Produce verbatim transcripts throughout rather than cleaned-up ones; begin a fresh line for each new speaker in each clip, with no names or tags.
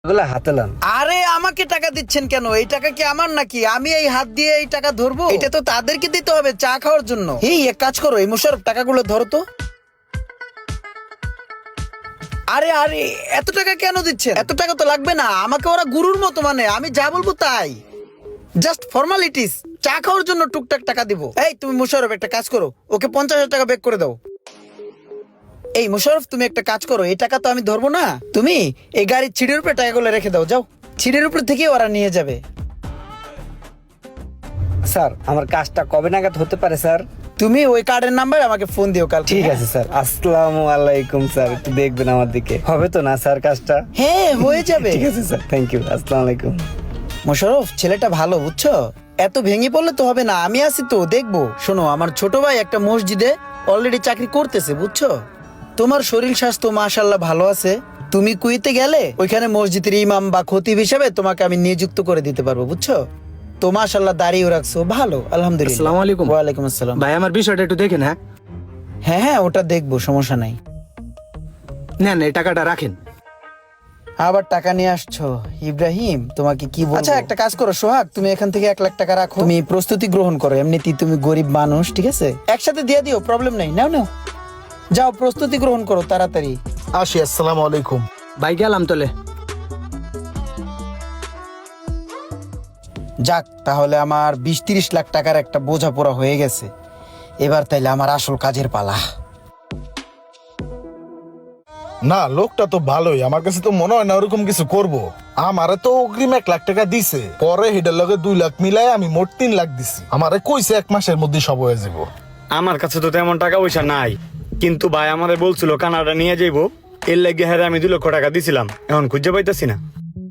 এগুলা হাতে লান।
আরে আমাকে টাকা দিচ্ছেন কেন? এই টাকা কি আমার নাকি? আমি এই হাত দিয়ে এই টাকা ধরবো? এটা তো তাদেরকে দিতে হবে চা খাওয়ার জন্য। এই এক কাজ করো, এই মোশারফ টাকাগুলো ধরো তো। আরে আরে এত টাকা কেন দিচ্ছেন? এত টাকা তো লাগবে না, আমাকে ওরা গুরুর মতো মানে আমি যা বলবো তাই। জাস্ট ফর্মালিটিস, চা খাওয়ার জন্য টুকটাক টাকা দিব। এই তুমি মোশারফ একটা কাজ করো, ওকে পঞ্চাশ হাজার টাকা বেক করে দাও। এই মোশারফ তুমি একটা কাজ করো, এই টাকা তো আমি ধরবো না, তুমি এই গাড়ির ছিঁড়ের উপরে টাকাগুলো রেখে দাও, যাও। ছিঁড়ের উপর থেকে ওরা নিয়ে যাবে।
স্যার আমার কাজটা কবে নাগাদ হতে পারে স্যার?
তুমি ওই কার্ডের নাম্বার আমাকে ফোন দিও কাল।
ঠিক আছে স্যার। আসসালামু আলাইকুম স্যার, একটু দেখবেন আমার দিকে। হবে তো না স্যার কাজটা?
হ্যাঁ হয়ে যাবে।
ঠিক আছে স্যার, থ্যাংক ইউ। আসসালামু আলাইকুম।
মোশারফ ছেলেটা ভালো, বুঝছো? এত ভেঙে পড়লে তো হবে না, আমি আছি তো, দেখবো। শোনো, আমার ছোট ভাই একটা মসজিদে অলরেডি চাকরি করতেছে, বুঝছো? তোমার শরীর স্বাস্থ্য মাশাআল্লাহ ভালো আছে, তুমি কুয়েতে গেলে ওইখানে মসজিদের ইমাম বা খতিব হিসেবে তোমাকে আমি নিযুক্ত করে দিতে পারবো, বুঝছো? তো মাশাআল্লাহ দাঁড়িয়ে রাখছো, ভালো, আলহামদুলিল্লাহ।
আসসালামু আলাইকুম।
ওয়ালাইকুম আসসালাম।
ভাই আমার বিষয়টা একটু দেখেন। হ্যাঁ
হ্যাঁ হ্যাঁ ওটা দেখবো, সমস্যা নাই।
নেন এই টাকাটা রাখেন।
আবার টাকা নিয়ে আসছো ইব্রাহিম, তোমাকে কি বলবো? আচ্ছা একটা কাজ করো সোহাগ, তুমি এখান থেকে এক লাখ টাকা রাখো, তুমি প্রস্তুতি গ্রহণ করো, এমনিতেই তুমি গরিব মানুষ, ঠিক আছে? একসাথে দিয়ে দিও, প্রবলেম নেই, নাও নাও, যাও প্রস্তুতি গ্রহণ করো তাড়াতাড়ি।
আসি, আসসালামু আলাইকুম।
ভাই গেলাম তোলে।
যাক, তাহলে আমার বিশ তিরিশ লাখ টাকার একটা বোঝাপড়া হয়ে গেছে। এবার তাইলে আমার আসল কাজের পালা।
না, লোকটা তো ভালোই, আমার কাছে তো মনে হয় না ওরকম কিছু করব। আমারে তো অগ্রিম এক লাখ টাকা দিছে, পরে হেডের লগে দুই লাখ মিলাই আমি মোট তিন লাখ দিছি। আমারে কইছে এক মাসের মধ্যে সব হয়ে যাব।
আমার কাছে তো তেমন টাকা পয়সা নাই, কিন্তু ভাই আমাদের বলছিল কানাডা নিয়ে যাইবো, এর লাগে হ্যাঁ আমি দুই লক্ষ টাকা দিছিলাম, এখন খুঁজে পাইতেছি না।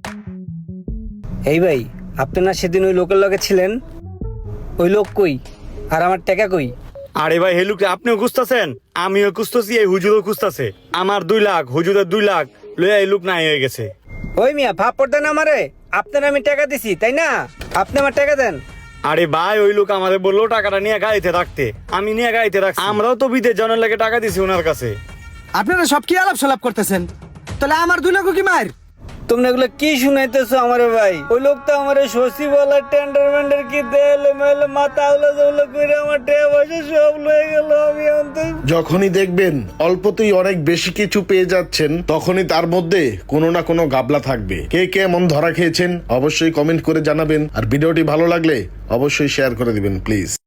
এই ভাই, আপনি না সেদিন ওই লোকের লগে ছিলেন, ওই লোক কই আর আমার টাকা কই?
আরে ভাই হেলুকে আপনিও খুঁজতেছেন, আমিও খুঁজতেছি, এই হুজুরও খুঁজতেছে। আমার দুই লাখ হুজুরের দুই লাখ লইয়া এই লোক নাই হয়ে গেছে।
ওই মিয়া ভাব দেন আমারে, আপনার আমি টাকা দিছি তাই না? আপনি আমার টাকা দেন।
আরে ভাই ওই লোক আমাদের বললো টাকাটা নিয়ে গাড়িতে রাখতে, আমি নিয়ে গাড়িতে রাখছি। আমরাও তো বিদেশ জনের লাগে টাকা দিছি ওনার কাছে।
আপনারা সব কি আলাপ সালাপ করতেছেন? তাহলে আমার দুই লাখ কি মার?
তোমরা এগুলো কি শুনাইতেছো আমারে ভাই? ওই লোক তো আমারে শশী বলা টেন্ডার মেন্ডার কি দেলে মেলে মাথা উলা জউলা করে আমার টাকা পয়সা সব লয়ে গেল। আমি অন্তত
যখনই দেখবেন অল্পতেই অনেক বেশি কিছু পেয়ে যাচ্ছেন, তখনই তার মধ্যে কোনো না কোনো গাবলা থাকবে। কে কে এমন ধরা খেয়েছেন অবশ্যই কমেন্ট করে জানাবেন, আর ভিডিওটি ভালো লাগলে অবশ্যই শেয়ার করে দিবেন প্লিজ।